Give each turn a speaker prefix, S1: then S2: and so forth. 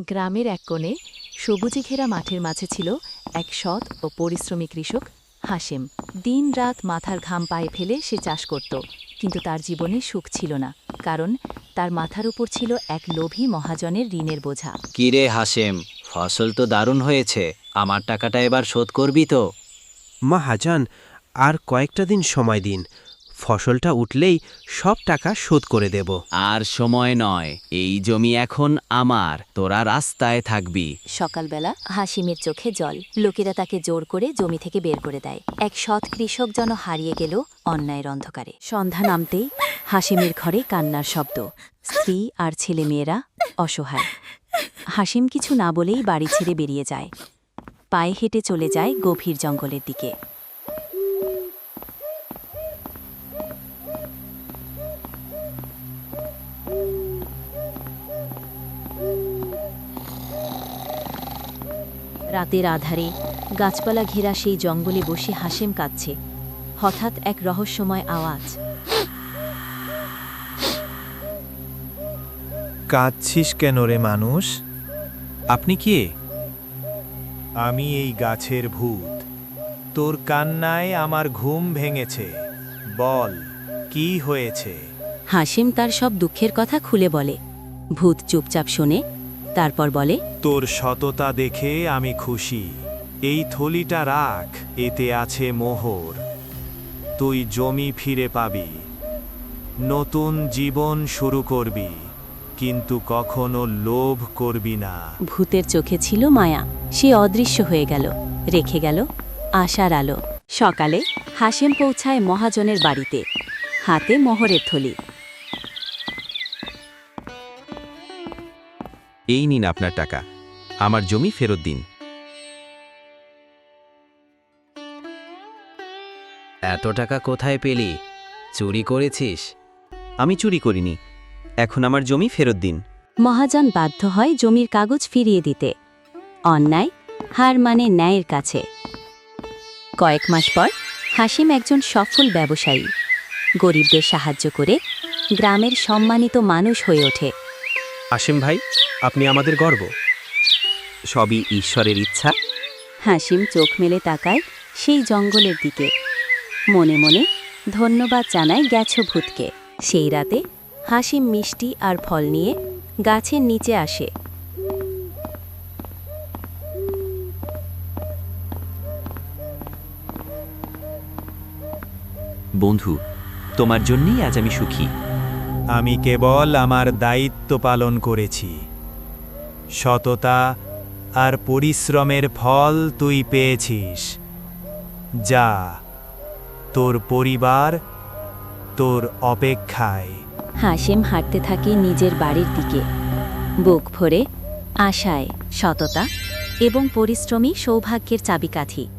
S1: গ্রামের এক কোণে সবুজে ঘেরা মাঠের মাঝে ছিল এক সৎ ও পরিশ্রমী কৃষক হাশেম। দিন-রাত মাথার ঘাম পায়ে ফেলে সে চাষ করত, কিন্তু তার জীবনে সুখ ছিল না, কারণ তার মাথার উপর ছিল এক লোভী মহাজনের ঋণের বোঝা।
S2: কিরে হাশেম, ফসল তো দারুণ হয়েছে, আমার টাকাটা এবার শোধ করবি তো?
S3: মহাজন, আর কয়েকটা দিন সময় দিন, ফসলটা উঠলেই সব টাকা শোধ করে দেব।
S2: আর সময় নয়, এই জমি এখন আমার, তোরা রাস্তায় থাকবি।
S1: সকালবেলা হাসিমের চোখে জল। লোকেরা তাকে জোর করে জমি থেকে বের করে দেয়। এক সৎ কৃষক যেন হারিয়ে গেল অন্যায়ের অন্ধকারে। সন্ধ্যা নামতেই হাসিমের ঘরে কান্নার শব্দ। স্ত্রী আর ছেলেমেয়েরা অসহায়। হাসিম কিছু না বলেই বাড়ি ছেড়ে বেরিয়ে যায়। পায়ে হেঁটে চলে যায় গভীর জঙ্গলের দিকে। রাতের আধারে গাছপালা ঘেরা সেই জঙ্গলে বসে হাসেম কাঁদছে। হঠাৎ এক রহস্যময় আওয়াজ।
S4: কাঁদছিস কেন রে মানুষ?
S3: আপনি কে?
S4: আমি এই গাছের ভূত। তোর কান্নায় আমার ঘুম ভেঙেছে। বল, কি হয়েছে?
S1: হাসিম তার সব দুঃখের কথা খুলে বলে। ভূত চুপচাপ শোনে, তারপর বলে,
S4: তোর সততা দেখে আমি খুশি। এই থলিটা রাখ, এতে আছে মোহর। তুই জমি ফিরে পাবি, নতুন জীবন শুরু করবি, কিন্তু কখনো লোভ করবি না।
S1: ভূতের চোখে ছিল মায়া। সে অদৃশ্য হয়ে গেল, রেখে গেল আশার আলো। সকালে হাসেম পৌঁছায় মহাজনের বাড়িতে, হাতে মোহরের থলি।
S3: এই নিন আপনার টাকা, আমার জমি ফেরত দিন।
S2: এত টাকা কোথায় পেলি? চুরি করেছিস?
S3: আমি চুরি করিনি, এখন আমার জমি ফেরত দিন।
S1: মহাজন বাধ্য হয় জমির কাগজ ফিরিয়ে দিতে। অন্যায় হার মানে ন্যায়ের কাছে। কয়েক মাস পর হাসিম একজন সফল ব্যবসায়ী। গরিবদের সাহায্য করে গ্রামের সম্মানিত মানুষ হয়ে ওঠে।
S3: হাসিম ভাই, আপনি আমাদের গর্ব। সবই ঈশ্বরের ইচ্ছা।
S1: হাসিম চোখ মেলে তাকায় সেই জঙ্গলের দিকে। মনে মনে ধন্যবাদ জানায় গেছো ভূতকে। সেই রাতে হাসিম মিষ্টি আর ফল নিয়ে গাছের নিচে আসে।
S3: বন্ধু, তোমার জন্যই আজ আমি সুখী।
S4: আমি কেবল আমার দায়িত্ব পালন করেছি। সততা আর পরিশ্রমের ফল তুই পেয়েছিস। যা, তোর পরিবার তোর অপেক্ষায়।
S1: হাসিম হাঁটতে থাকে নিজের বাড়ির দিকে, বুক ভরে আশায়, সততা এবং পরিশ্রমী সৌভাগ্যের চাবিকাঠি।